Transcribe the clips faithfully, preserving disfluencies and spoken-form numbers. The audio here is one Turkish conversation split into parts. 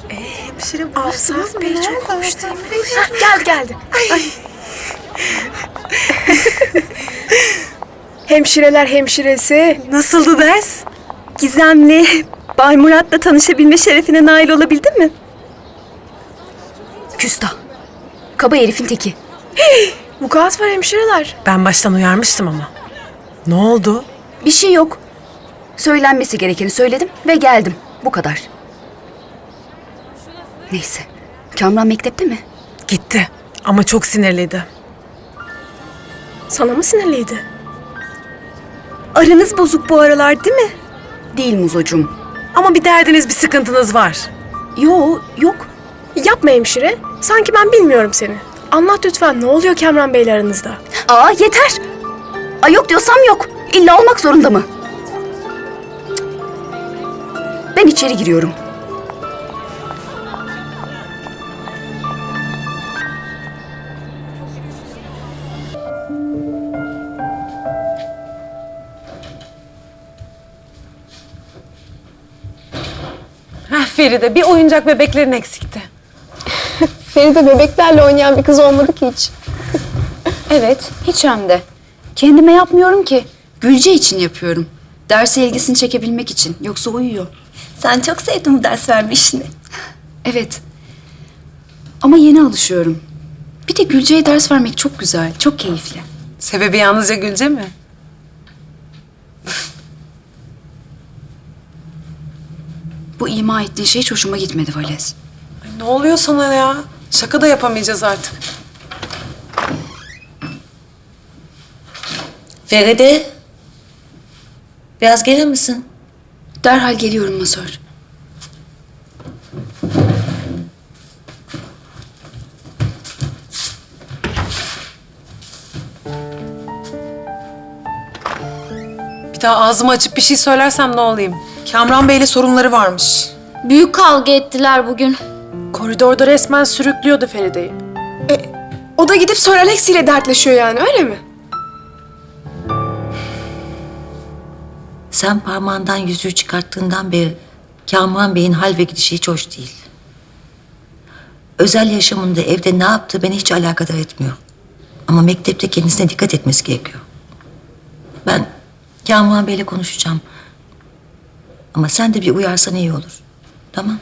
Hemşire bulursanız Bey çok hoş değil mi? Geldi geldi. Ay. Hemşireler hemşiresi. Nasıldı ders? Gizemli, Bay Murat'la tanışabilme şerefine nail olabildin mi? Küstah. Kaba herifin teki. Vukuat var hemşireler. Ben baştan uyarmıştım ama. Ne oldu? Bir şey yok. Söylenmesi gerekeni söyledim ve geldim. Bu kadar. Neyse. Kamran mektepte mi? Gitti. Ama çok sinirliydi. Sana mı sinirliydi? Aranız bozuk bu aralar değil mi? Değil Muzocuğum. Ama bir derdiniz, bir sıkıntınız var. Yo, yok. Yapma hemşire. Sanki ben bilmiyorum seni. Anlat lütfen, ne oluyor Kamran Bey'le aranızda? Aa yeter. Ay yok diyorsam yok. İlla olmak zorunda mı? Ben içeri giriyorum. Heh Feride, bir oyuncak bebeklerin eksikti. Feride bebeklerle oynayan bir kız olmadı ki hiç. Evet, hiç hem de. Kendime yapmıyorum ki. Gülce için yapıyorum. Derse ilgisini çekebilmek için. Yoksa uyuyor. Sen çok sevdin bu ders verme işini. Evet. Ama yeni alışıyorum. Bir de Gülce'ye ders vermek çok güzel, çok keyifli. Sebebi yalnızca Gülce mi? Bu ima ettiğin şey hiç hoşuma gitmedi Vales. Ay, ne oluyor sana ya? Şaka da yapamayacağız artık. Feride, biraz gelir misin? Derhal geliyorum masör. Bir daha ağzımı açıp bir şey söylersem ne olayım? Kamran Bey'le sorunları varmış. Büyük kavga ettiler bugün. Koridorda resmen sürüklüyordu Feride'yi. E, o da gidip Sor Alex ile dertleşiyor yani, öyle mi? Sen parmağından yüzüğü çıkarttığından beri Kamran Bey'in hal ve gidişi hiç hoş değil. Özel yaşamında evde ne yaptığı beni hiç alakadar etmiyor. Ama mektepte kendisine dikkat etmesi gerekiyor. Ben Kamran Bey'le konuşacağım. Ama sen de bir uyarsan iyi olur. Tamam?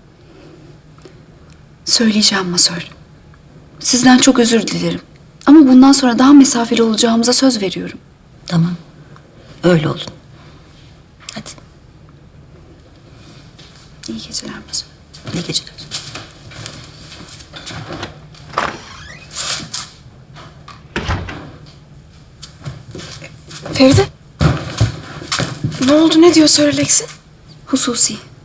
Söyleyeceğim masör. Sizden çok özür dilerim. Ama bundan sonra daha mesafeli olacağımıza söz veriyorum. Tamam. Öyle olun. Hadi. İyi geceler masör. İyi geceler. Feride. Ne oldu, ne diyor Sor Alex'in? Hususi.